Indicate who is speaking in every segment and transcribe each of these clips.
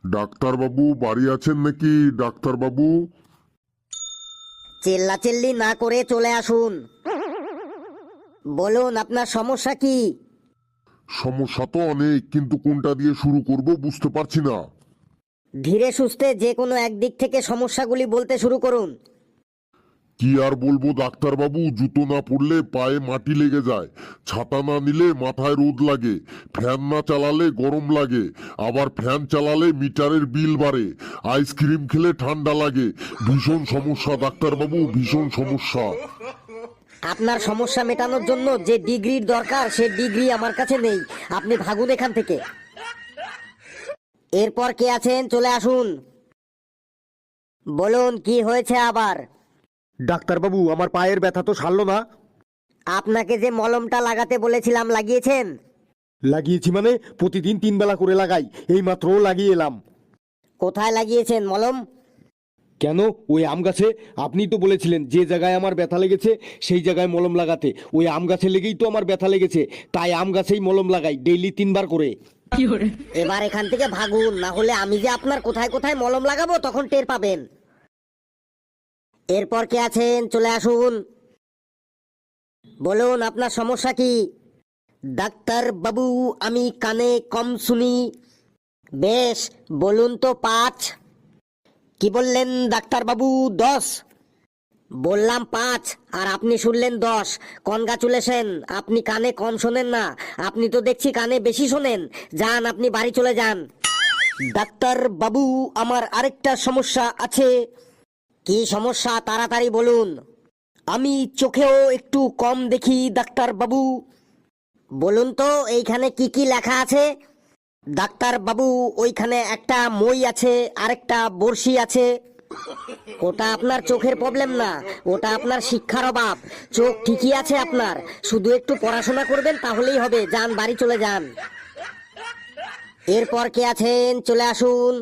Speaker 1: ডাক্তারবাবু বাড়ি আছেন নাকি? ডাক্তারবাবু,
Speaker 2: চিল্লাচিল্লি না করে চলে আসুন। বলুন আপনার সমস্যা কি?
Speaker 1: সমস্যা তো অনেক, কিন্তু কোনটা দিয়ে শুরু করব বুঝতে পারছি না।
Speaker 2: ধীরে সুস্থে যে কোনো একদিক থেকে সমস্যাগুলি বলতে শুরু করুন।
Speaker 1: কি আর বলবো ডাক্তারবাবু, জুতো না পরলে পায়ে মাটি লেগে যায়, ছাতা না নিলে মাথায় রোদ লাগে, ফ্যান না চালালে গরম লাগে, আবার ফ্যান চালালে মিটারের বিল বাড়ে, আইসক্রিম খেলে ঠান্ডা লাগে। ভীষণ সমস্যা ডাক্তারবাবু, ভীষণ সমস্যা।
Speaker 2: আপনার সমস্যা মেটানোর জন্য যে ডিগ্রির দরকার সে ডিগ্রি আমার কাছে নেই। আপনি ভাগুন এখান থেকে। এরপর কে আছেন চলে আসুন। বলুন কি হয়েছে আবার?
Speaker 3: ডাক্তারবাবু, আমার পায়ের ব্যথা তো সারলো না।
Speaker 2: আপনাকে যে মলমটা লাগাতে বলেছিলাম লাগিয়েছেন?
Speaker 3: লাগিয়েছি মানে প্রতিদিন 3 বেলা করে লাগাই, এই মাত্র লাগিয়ে এলাম।
Speaker 2: কোথায় লাগিয়েছেন মলম?
Speaker 3: কেন, ওই আম গাছে। আপনি তো বলেছিলেন যে জায়গায় আমার ব্যথা লেগেছে সেই জায়গায় মলম লাগাতে। ওই আম গাছে লেগেই তো আমার ব্যথা লেগেছে, তাই আম গাছেই মলম লাগাই ডেইলি 3 বার করে।
Speaker 2: এবার এখান থেকে ভাগুন, না হলে আমি যে আপনার কোথায় কোথায় মলম লাগাবো তখন টের পাবেন। এরপর কে আছেন চলে আসুন। বলুন আপনার সমস্যা কি? ডাক্তার বাবু, আমি কানে কম শুনি। বেশ, বলুন তো 5। কি বললেন ডাক্তার বাবু? 10। বললাম 5 আর আপনি শুনলেন 10। কনগ্রাচুলেশন, আপনি কানে কম শোনেন না, আপনি তো দেখছি কানে বেশি শোনেন। যান, আপনি বাড়ি চলে যান। ডাক্তার বাবু, আমার আরেকটা সমস্যা আছে। কি সমস্যা তাড়াতাড়ি বলুন। আমি চোখেও একটু কম দেখি ডাক্তার বাবু। বলুন তো এইখানে কি কি লেখা আছে? ডাক্তার বাবু, ওইখানে একটা মই আছে, আরেকটা বড়শি আছে। ওটা আপনার চোখের প্রবলেম না, ওটা আপনার শিক্ষার অভাব। চোখ ঠিকই আছে আপনার, শুধু একটু পড়াশোনা করবেন তাহলেই হবে। যান, বাড়ি চলে যান। এরপর কে আছেন চলে আসুন।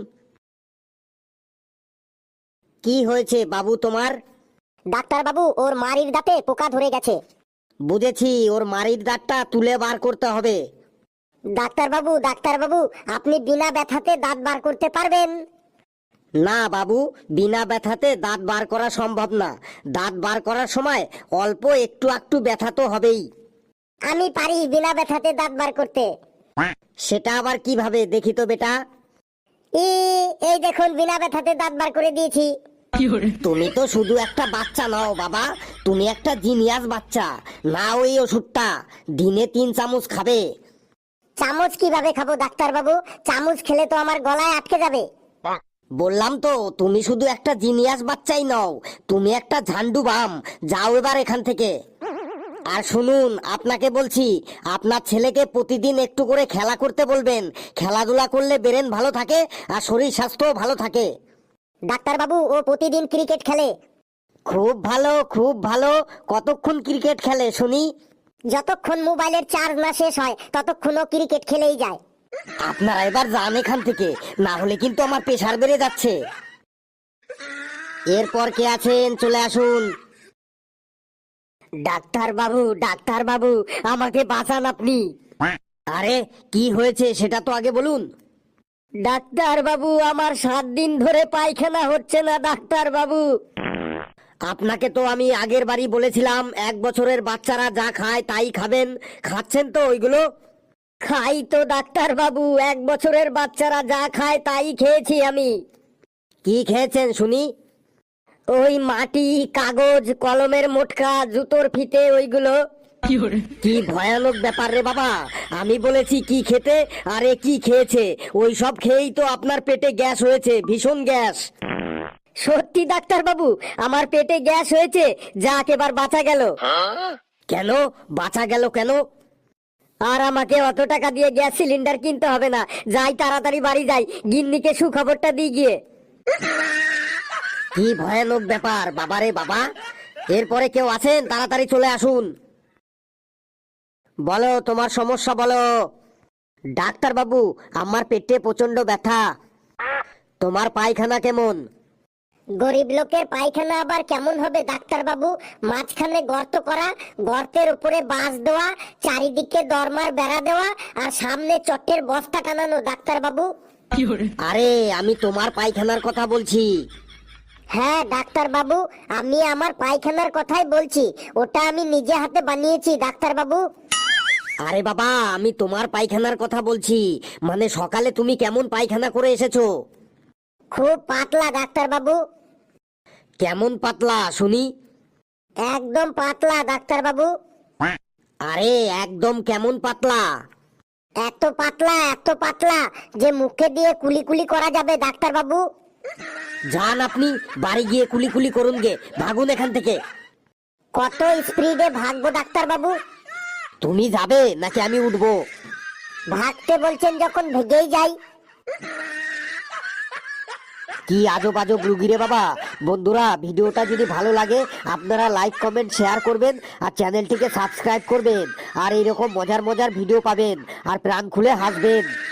Speaker 2: কি হয়েছে বাবু তোমার?
Speaker 4: ডাক্তার বাবু, ওর মাড়ির দাঁতে পোকা ধরে গেছে।
Speaker 2: বুঝেছি, ওর মাড়ির দাঁতটা তুলে বার করতে হবে।
Speaker 4: ডাক্তার বাবু, আপনি বিনা ব্যথাতে দাঁত বার করতে পারবেন?
Speaker 2: না বাবু, বিনা ব্যথাতে দাঁত বার করা সম্ভব না। দাঁত বার করার সময় অল্প একটু একটু ব্যথা তো হবেই।
Speaker 4: আমি পারি বিনা ব্যথাতে দাঁত বার করতে।
Speaker 2: সেটা আবার কিভাবে দেখি তো বেটা?
Speaker 4: এই দেখুন, বিনা ব্যথাতে দাঁত বার করে দিয়েছি।
Speaker 2: তুমি তো শুধু একটা বাচ্চা নাও বাবা, তুমি একটা জিনিয়াস বাচ্চা। না, ওই ওষুধটা দিনে 3 চামচ খাবে।
Speaker 4: চামচ কিভাবে খাবো ডাক্তার বাবু? চামচ খেলে তো আমার গলায় আটকে যাবে।
Speaker 2: বললাম তো, তুমি শুধু একটা জিনিয়াস বাচ্চাই নও, তুমি একটা ঝান্ডু বাম। যাও এবার এখান থেকে। আর শুনুন, আপনাকে বলছি, আপনার ছেলেকে প্রতিদিন একটু করে খেলা করতে বলবেন। খেলাধুলা করলে ব্রেন ভালো থাকে আর শরীর স্বাস্থ্যও ভালো থাকে।
Speaker 4: ডাক্তার বাবু, ও প্রতিদিন ক্রিকেট খেলে।
Speaker 2: খুব ভালো, খুব ভালো। কতক্ষণ ক্রিকেট খেলে শুনি?
Speaker 4: যতক্ষণ মোবাইলের চার্জ না শেষ হয় ততক্ষণ ও ক্রিকেট খেলেই যায়।
Speaker 2: আপনারা এবার যান এখান থেকে, না হলে কিন্তু আমার প্রেশার বেড়ে যাচ্ছে। এরপর কে আছেন চলে আসুন। ডাক্তার বাবু, আমাকে বাঁচান আপনি। আরে কি হয়েছে সেটা তো আগে বলুন। ডাক্তার বাবু, আমার 7 দিন ধরে পায়খানা হচ্ছে না ডাক্তার বাবু। আপনাকে তো আমি আগের বারই বলেছিলাম 1 বছরের বাচ্চারা যা খায় তাই খাবেন। খাচ্ছেন তো ওইগুলো? খাই তো ডাক্তার বাবু, 1 বছরের বাচ্চারা যা খায় তাই খেয়েছি আমি। কি খেয়েছেন শুনি? ওই মাটি, কাগজ, কলমের মোটকা, জুতোর ফিতে, ওইগুলো। কি ভয়ানক ব্যাপার রে বাবা। আমি বলেছি কি খেতে, আরে কি খেয়েছে? ওই সব খেয়েই তো আপনার পেটে গ্যাস হয়েছে, ভীষণ গ্যাস। সত্যি ডাক্তার বাবু, আমার পেটে গ্যাস হয়েছে। যাক, এবার বাঁচা গেল। কেন বাঁচা গেল কেন? আর আমাকে অত টাকা দিয়ে গ্যাস সিলিন্ডার কিনতে হবে না। যাই, তাড়াতাড়ি বাড়ি যাই, গিন্নিকে সুখবরটা দিয়ে গিয়ে। কি ভয়ানক ব্যাপার বাবারে বাবা। এরপরে কেউ আছেন? তাড়াতাড়ি চলে আসুন। বলো তোমার সমস্যা বলো। ডাক্তার বাবু, আমার পেটে প্রচন্ড ব্যথা। তোমার পায়খানা কেমন?
Speaker 4: গরিব লোকের পায়খানা আবার কেমন হবে ডাক্তার বাবু? মাঝখানে গর্ত করা, গর্তের উপরে বাঁশ দেওয়া, চারিদিকে দরমার বেড়া দেওয়া, আর সামনে চটের বস্তা টানানো ডাক্তার বাবু।
Speaker 2: আরে আমি তোমার পায়খানার কথা বলছি।
Speaker 4: হ্যাঁ ডাক্তার বাবু, আমি আমার পায়খানার কথাই বলছি। ওটা আমি নিজে হাতে বানিয়েছি ডাক্তার বাবু।
Speaker 2: আরে বাবা, আমি তোমার পায়খানার কথা বলছি। মানে সকালে তুমি কেমন পায়খানা করে এসেছো?
Speaker 4: খুব পাতলা ডাক্তার বাবু।
Speaker 2: কেমন পাতলা শুনি?
Speaker 4: একদম পাতলা ডাক্তার বাবু।
Speaker 2: আরে একদম কেমন পাতলা?
Speaker 4: এত পাতলা, এত পাতলা যে মুখে দিয়ে কুলি কুলি করা যাবে ডাক্তার বাবু।
Speaker 2: যান আপনি বাড়ি গিয়ে কুলি কুলি করুন গে, ভাগুন এখান থেকে।
Speaker 4: কত স্পিডে ভাগবো ডাক্তার বাবু?
Speaker 2: তুমি যাবে নাকি আমি উঠবো?
Speaker 4: ভাগতে বলছেন যখন ভেগেই যাই।
Speaker 2: কি আজব আজব রুগী রে বাবা। বন্ধুরা, ভিডিওটা যদি ভালো লাগে আপনারা লাইক কমেন্ট শেয়ার করবেন আর চ্যানেলটিকে সাবস্ক্রাইব করবেন। আর এইরকম মজার মজার ভিডিও পাবেন আর প্রাণ খুলে হাসবেন।